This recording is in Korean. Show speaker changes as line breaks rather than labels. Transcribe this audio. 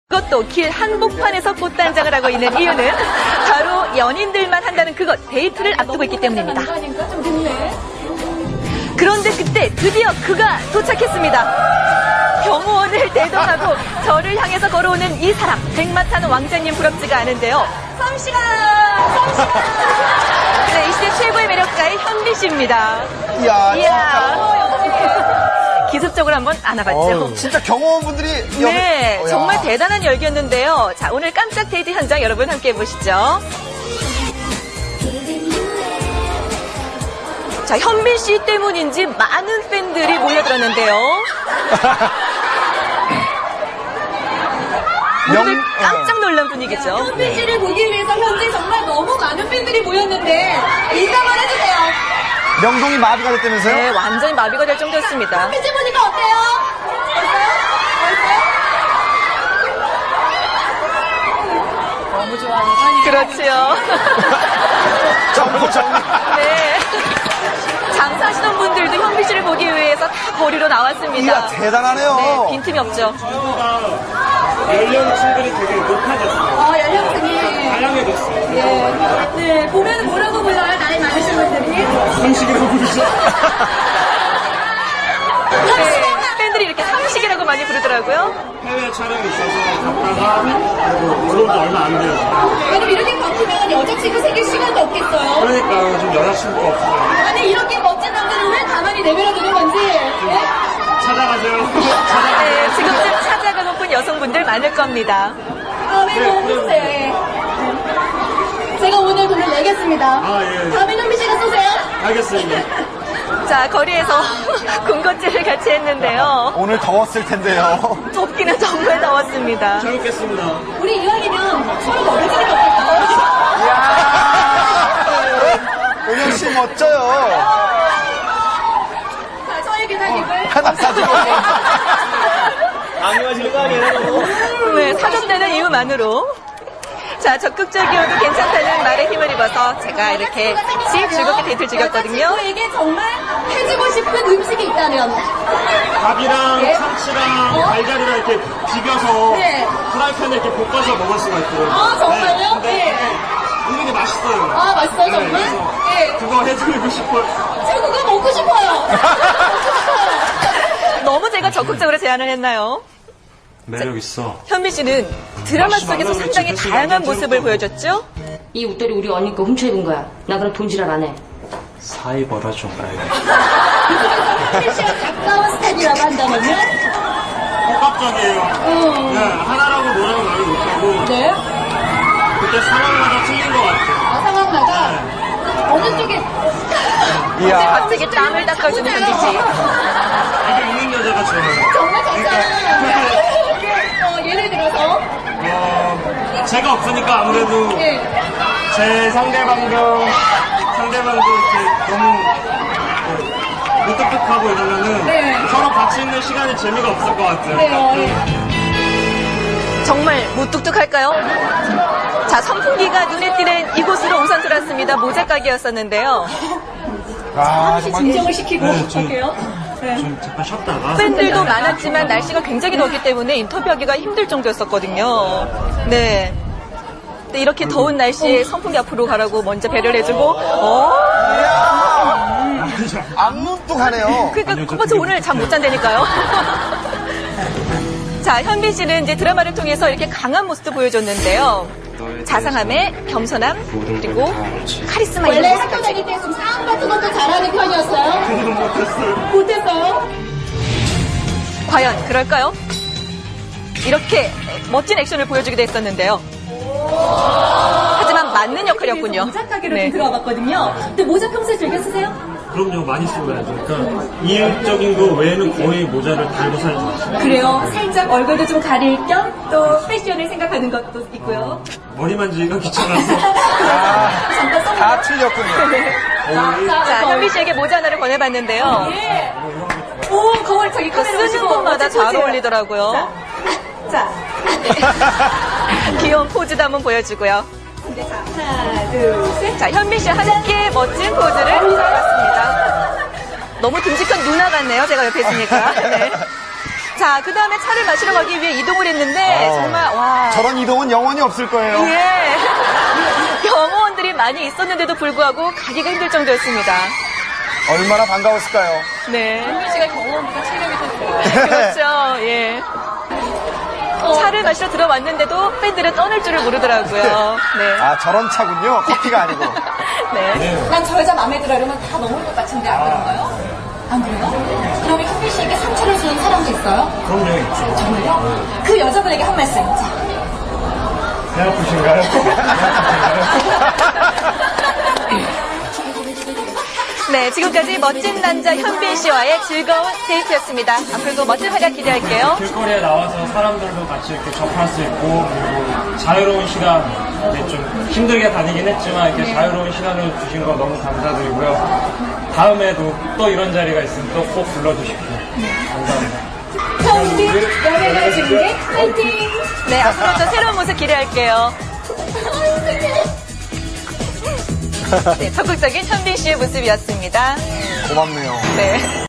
그것도 길 한복판에서 꽃단장을 하고 있는 이유는 바로 연인들만 한다는 그것, 데이트를 앞두고 있기 때문입니다. 그런데 그때 드디어 그가 도착했습니다. 경호원을 대동하고 저를 향해서 걸어오는 이 사람, 백마 타는 왕자님 부럽지가 않은데요. 썸씨가! 네, 이 시대 최고의 매력가의 현미 씨입니다. 이야. 기습적으로 한번 안아봤죠.
진짜 경호원분들이
네, 정말 대단한 열기였는데요. 자, 오늘 깜짝 데이트 현장 여러분 함께 해보시죠. 자, 현미 씨 때문인지 많은 팬들이 몰려들었는데요. 모두들 깜짝 놀란 분위기죠.
현미 씨를 보기 위해서 현재 정말 너무 많은 팬들이 모였는데 인사만 해주세요.
명동이 마비가 됐다면서요?
네, 완전히 마비가 될 정도였습니다.
현미 씨 보니까 어때요? 너무 좋아하는
그렇지요.
정리.
네. 장사하시던 분들도 현미 씨를 보기 위해서 다 거리로 나왔습니다.
이야, 대단하네요.
네, 빈틈이 없죠.
연령층들이 되게 높아졌어요.
연령층이.
다양해졌어요.
네, 보면 뭐라고 불러요? 나이 많으신 분들이.
상식이라고 부르죠.
네, 팬들이 이렇게 삼식이라고 많이 부르더라고요.
해외 촬영이 있어서 갔다가 그리고 들어온 지 얼마 안 돼요.
왜냐면 이렇게 바뀌면 여자친구 생길 시간도 없겠어요.
그러니까 좀 여자친구가 없어요.
아니, 이렇게 멋진 남자를 왜 가만히 내버려 두는 건지. 네?
찾아가세요.
네, 지금쯤 찾아가고픈 여성분들 많을 겁니다.
다음에 뭐 쏘세요. 예. 제가 오늘 돈을 내겠습니다.
아, 예.
다음에 현미 씨가 쏘세요.
알겠습니다.
자, 거리에서 군것질을 같이 했는데요.
오늘 더웠을 텐데요.
덥기는 정말 더웠습니다.
잘 먹겠습니다.
우리 이왕이면 서로 멀어지는 거 어떨까요?
은영 씨 멋져요.
자, 저의 기사님을.
하나 사주고.
강요하시는 거 아니에요?
네, 사줬다는 이유만으로. 자, 적극적이어도 괜찮다는 말에 힘을 입어서 제가 이렇게 같이 즐겁게 데이트를 즐겼거든요.
여자친구에게 정말 해주고 싶은 음식이 있다면.
밥이랑
예?
참치랑 달걀이랑 이렇게 비벼서
네.
프라이팬에 이렇게 볶아서 먹을 수가 있더라고요.
아, 정말요?
근데
네.
은근히 맛있어요.
아, 맛있어요,
네,
정말?
그래서
네.
그거 해드리고 싶어요.
저 그거 먹고 싶어요. 먹고 싶어요.
너무 제가 적극적으로 제안을 했나요?
매력 있어.
현미 씨는 드라마 속에서 상당히 다양한 모습을 보여줬죠?
이 웃돌이 우리 언니 거 훔쳐 입은 거야. 나 그럼 돈지랄 안 해.
사이 벌어 좀 가야겠다.
현미 씨와 가까운 스타일이라고 한다면요?
복합적이에요. 네, 하나라고 뭐라고 말을 못하고
네.
그때 상황마다 틀린 것 같아요.
아, 상황마다. 어느 쪽에.
이야.
갑자기 땀을 닦아주는 현미 씨.
되게 있는 여자가 좋아요.
정말 괜찮아요. 예를 들어서.
제가 없으니까 아무래도
예.
제 상대방도 이렇게 너무 무뚝뚝하고 이러면은
네.
서로 같이 있는 시간이 재미가 없을 것 같아요.
네.
정말 무뚝뚝할까요? 자, 선풍기가 눈에 띄는 이곳으로 우선 들어왔습니다. 모자 가게였었는데요.
아,
진정을 시키고 갈게요.
좀 잠깐 쉬었다가
팬들도 많았지만 날씨가 굉장히 덥기 때문에 인터뷰하기가 힘들 정도였었거든요. 네. 근데 이렇게 더운 날씨에 선풍기 앞으로 가라고 먼저 배려를 해주고,
악문뚝하네요.
그러니까 그봐서 오늘 잠 못 잔다니까요. 자, 현빈 씨는 이제 드라마를 통해서 이렇게 강한 모습도 보여줬는데요. 자상함에 겸손함, 그리고 카리스마
원래
이런
학교
모습까지.
다닐 때 좀 싸움 같은 것도 잘하는 편이었어요? 못했어요?
과연 그럴까요? 이렇게 멋진 액션을 보여주기도 했었는데요. 하지만 맞는 역할이었군요.
모자 가게로
네.
좀 들어와봤거든요. 근데 모자 평소에 즐겨 쓰세요?
그럼요 많이 쓰고 해야죠. 그러니까 이율적인 거 외에는 거의 모자를 달고 살지 마시고
그래요. 살짝 얼굴도 좀 가릴 겸 또 패션을 생각하는 것도 있고요.
머리 만지기가 귀찮아서
잠깐 써보세요.
다 틀렸군요.
자, 현빈 씨에게 모자 하나를 권해봤는데요.
예. 오, 거울 저기 카메라
쓰는
보시고
곳마다
멋진
잘
포즈예요.
어울리더라고요.
자,
귀여운 포즈도 한번 보여주고요.
하나, 둘, 셋.
자, 현빈 씨와 함께 멋진 포즈를 잡았습니다. 너무 듬직한 누나 같네요. 제가 옆에 있으니까. 네. 자, 그 다음에 차를 마시러 가기 위해 이동을 했는데 정말 와
저런 이동은 영원히 없을 거예요.
예. 경호원들이 많이 있었는데도 불구하고 가기가 힘들 정도였습니다.
얼마나 반가웠을까요?
네.
현빈 씨가 경호원보다 체력이 더 좋아요.
그렇죠. 예. 차를 마시러 들어왔는데도 팬들은 떠날 줄을 모르더라고요. 네.
아, 저런 차군요. 커피가 아니고.
네.
난 저 여자 마음에 들어 이러면 다 넘을 것 같은데 안 그런가요? 안 그래요? 그러면 현빈 씨에게 상처를 주는 사람도 있어요?
그럼요, 있죠.
정말요? 그 여자분에게 한 말씀. 자,
배 아프신가요?
네, 지금까지 멋진 남자 현빈 씨와의 즐거운 데이트였습니다. 앞으로도 멋진 활약 기대할게요.
길거리에 나와서 사람들도 같이 이렇게 접할 수 있고, 그리고 자유로운 시간, 이렇게 좀 힘들게 다니긴 했지만, 이렇게 자유로운 시간을 주신 거 너무 감사드리고요. 다음에도 또 이런 자리가 있으면 또 꼭 불러주십시오. 감사합니다.
현빈 연예계 중계 파이팅!
네, 앞으로도 새로운 모습 기대할게요. 네, 적극적인 현빈 씨의 모습이었습니다.
고맙네요.
네.